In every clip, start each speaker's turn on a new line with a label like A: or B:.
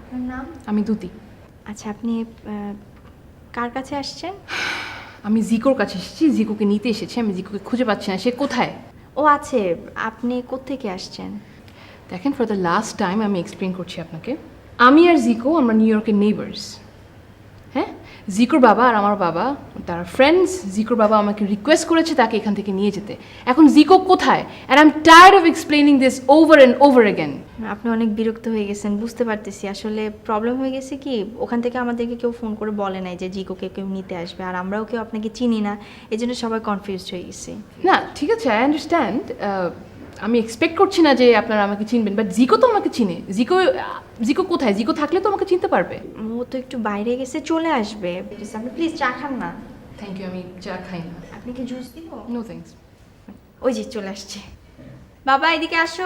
A: আপনার নাম?
B: আমি দুতি।
A: আচ্ছা, আপনি কার কাছে আসছেন?
B: আমি জিকোর কাছে এসেছি, জিকোকে নিতে এসেছি। আমি জিকোকে খুঁজে পাচ্ছি না, সে কোথায়?
A: ও আছে। আপনি কোত্থেকে আসছেন?
B: দেখেন, ফর দ্য লাস্ট টাইম আমি এক্সপ্লেন করছি আপনাকে। আমি আর জিকো আমরা নিউ ইয়র্কের নেইবার্স। হ্যাঁ, জিকোর বাবা আর আমার বাবা তারা ফ্রেন্ডস। জিকোর বাবা আমাকে রিকোয়েস্ট করেছে তাকে এখান থেকে নিয়ে যেতে। এখন জিকো কোথায়? And I am tired of explaining this over and over again.
A: আপনি অনেক বিরক্ত হয়ে গেছেন, বুঝতে পারতেছি। আসলে প্রবলেম হয়ে গেছে কি, ওখান থেকে আমাদেরকে কেউ ফোন করে বলে নাই যে জিকোকে কেউ নিতে আসবে, আর আমরাও কেউ আপনাকে চিনি না, এই জন্য সবাই কনফিউজড হয়ে গেছে।
B: না, ঠিক আছে, আই আন্ডারস্ট্যান্ড। আমি এক্সপেক্ট করছি না যে আপনারা আমাকে চিনবেন, বাট জিকো তো আমাকে চিনে। জিকো কোথায়? জিকো থাকলে তো আমাকে চিনতে পারবে।
A: ও তো একটু বাইরে গেছে, চলে আসবে। আপনি প্লিজ চা খান না।
B: থ্যাংক ইউ, আমি চা খাই না।
A: আপনি কি জুস দিব?
B: No thanks.
A: ওই যে চলে আসছে। বাবা, এদিকে আসো।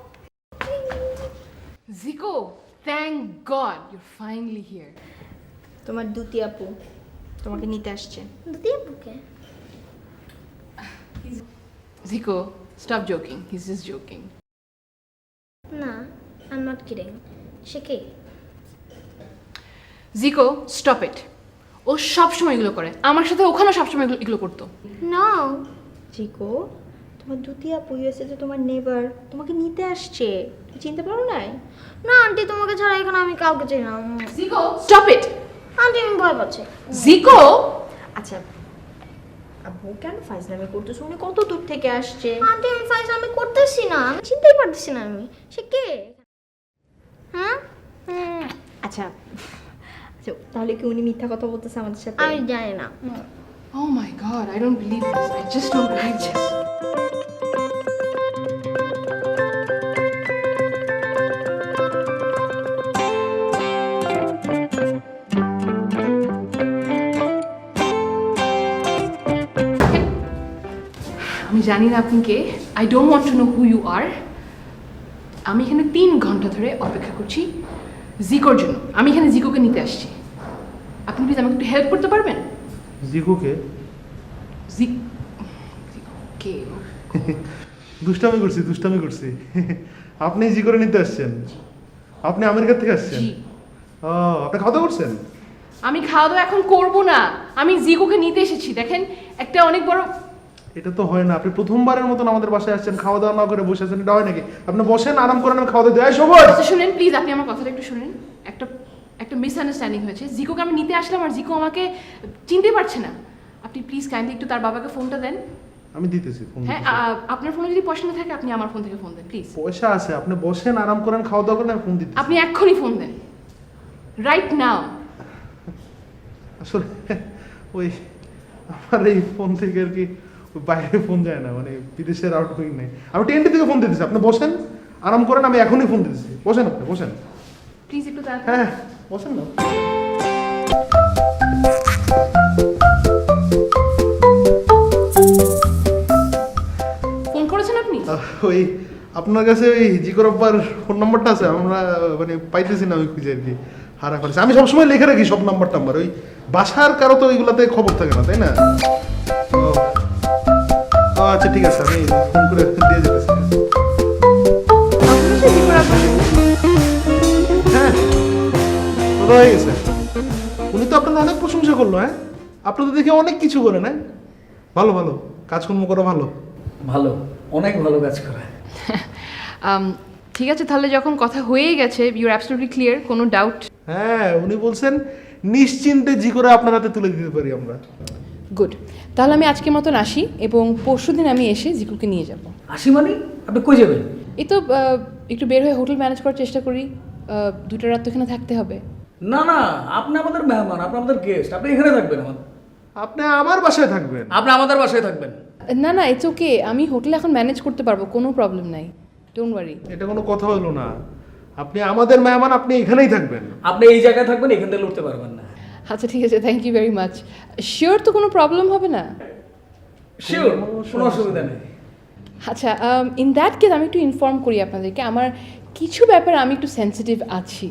B: Zico, thank God your finally here.
A: তোমার দুতি আপু তোমাকে নিতে আসছে।
C: দুটি বুকে
B: Zico, stop joking, he is just joking.
C: না, আই এম নট কিডিং। সে কে?
B: Zico, stop it. ও সবসময় এগুলো করে, আমার সাথে ওখানেও সবসময় এগুলো করতো।
C: নো।
A: জিকো, তোমার দুতি আপু ইউএসএ তে তোমার নেবার তোমাকে নিতে আসছে। তুমি চিনতে পারো নাই?
C: না আন্টি, তোমাকে ছাড়া এখানে আমি কাউকে চাই না।
B: জিকো, স্টপ ইট।
C: আন্টি, আমি ভয় পাচ্ছি।
B: জিকো,
A: আচ্ছা, আপু কেন ফাইজলামি করতেছো? উনি কত দূর থেকে আসছে।
C: আন্টি, আমি ফাইজলামি করতেছি না, আমি চিনতেই পারতেছি না আমি। সে কে? হ্যাঁ?
A: আচ্ছা আচ্ছা, তাহলে কি উনি মিথ্যা কথা বলতেছে আমাদের সাথে?
C: আমি জানি না।
B: oh my god, I don't believe this. I just don't believe this. আমি জানি না আপনি কে। I don't want to know who you are. আমি এখানে 3 ঘন্টা ধরে অপেক্ষা করছি জিকোর জন্য। আমি এখানে জিকোকে নিতে আসছি। আপনি প্লিজ আমাকে একটু হেল্প করতে পারবেন?
D: জিকুকে
B: কে?
D: দুষ্টামি করছি আপনি জি করে নিতে আসছেন? আপনি আমেরিকা থেকে আসছেন?
B: জি।
D: ও, আপনি খাওয়া দাওয়া করছেন?
B: আমি খাওয়া দাওয়া এখন করবো না, আমি জিকোকে নিতে এসেছি। দেখেন, একটা অনেক বড়।
D: এটা তো হয় না। আপনি প্রথমবারের মতন আমাদের বাসায় আসছেন, খাওয়া দাওয়া না করে বসে আছেন, এটা হয় নাকি? আপনি বসেন, আরাম করেন, আমি খাওয়া দাওয়া দেয় সবাই।
B: আচ্ছা শুনেন প্লিজ, আপনি আমার কথাটা একটু শুনেন। একটা মিসআন্ডারস্ট্যান্ডিং হয়েছে। জিকোকে আমি নিতে আসলাম আর জিকো আমাকে চিনতে পারছে না। আপনি প্লিজ কাইন্ডলি একটু তার বাবাকে ফোনটা দেন।
D: আমি দিতেছি ফোন।
B: হ্যাঁ, আপনার ফোনে যদি পয়সা না থাকে আপনি আমার ফোন থেকে ফোন দেন প্লিজ।
D: পয়সা আছে, আপনি বসেন, আরাম করেন, খাওয়া দাওয়া করেন, আমি ফোন দিতেছি।
B: আপনি এক্ষুনি ফোন দেন, রাইট নাও।
D: আসলে ওই আমার এই ফোন থেকে আর কি ওই বাইরে ফোন যায় না, মানে বিদেশের আউটগোয়িং নেই। আমি টেন্টি থেকে ফোন দিতেছি, আপনি বসেন, আরাম করেন, আমি এখনই ফোন দিতেছি। বসেন, আপনি বসেন।
B: প্লিজ একটু তাড়াতাড়ি।
D: হ্যাঁ, বসেন না।
B: ফোন করেছেন আপনি?
D: ওই আপনার কাছে ওই জিকর আব্বার ফোন নাম্বারটা আছে? আমরা মানে পাইতেছি না, ওই খুঁজে আর কি হারা ফেলেছি। আমি সবসময় লিখে রাখি সব নাম্বার টাম্বার। ওই বাসার কারো তো ওইগুলাতে খবর থাকে না, তাই না? ও, ও আচ্ছা, ঠিক আছে, আমি ফোন করে দিয়ে যেতেছি। হ্যাঁ, কথা হয়ে গেছে। উনি তো আপনার অনেক প্রশংসা করলো। হ্যাঁ, আপনি তো দেখে অনেক কিছু করেন। হ্যাঁ, ভালো ভালো কাজকর্ম করা ভালো।
E: ভালো, অনেক ভালো কাজ করে।
B: ঠিক আছে, তাহলে যখন কথা হয়ে গেছে, ইউর অ্যাবসলিউটলি ক্লিয়ার, কোনো ডাউট?
D: হ্যাঁ, উনি বলছেন নিশ্চিন্তে জি করে আপনার হাতে তুলে দিতে পারি আমরা।
B: গুড, তাহলে আমি আজকের মতন আসি এবং পরশুদিন আমি এসে জিকুকে নিয়ে যাব।
E: আসি মানে? আপনি কই যাবেন?
B: এই তো একটু বের হয়ে হোটেল ম্যানেজ করার চেষ্টা করি। 2টা রাত তো এখানে থাকতে হবে।
E: না না, আপনি আমাদের মেহমান, আপনি আমাদের গেস্ট, আপনি এখানে থাকবেন।
D: আপনি আমার বাসায় থাকবেন?
E: আপনি আমাদের বাসায় থাকবেন।
B: না না, ইটস ওকে, আমি হোটেল এখন ম্যানেজ করতে পারবো, কোনো প্রবলেম নাই, ডোন্ট ওয়ারি।
D: এটা কোনো কথা হলো না। আপনি আমাদের মেহমান, আপনি এখানেই থাকবেন।
E: আপনি এই জায়গায় থাকবেন, এখান থেকে লড়তে পারবেন না।
B: আচ্ছা ঠিক আছে, thank you very much. Sure তো কোনো প্রবলেম হবে না?
E: শিওর, কোনো অসুবিধা নেই।
B: আচ্ছা, ইন দ্যাট কেস আমি একটু ইনফর্ম করি আপনাদেরকে, আমার কিছু ব্যাপারে আমি একটু সেন্সিটিভ আছি।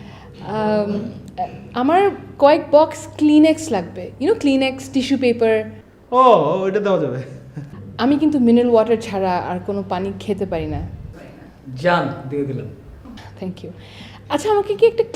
B: আমার কয়েক বক্স ক্লিনেক্স লাগবে, ক্লিনেক্স, টিস্যু পেপার।
D: ও, ওইটা দেওয়া যাবে।
B: আমি কিন্তু মিনারেল ওয়াটার ছাড়া আর কোনো পানি খেতে পারি না।
E: যান, দিয়ে দিলাম।
B: Thank you. আচ্ছা, আমাকে কি একটা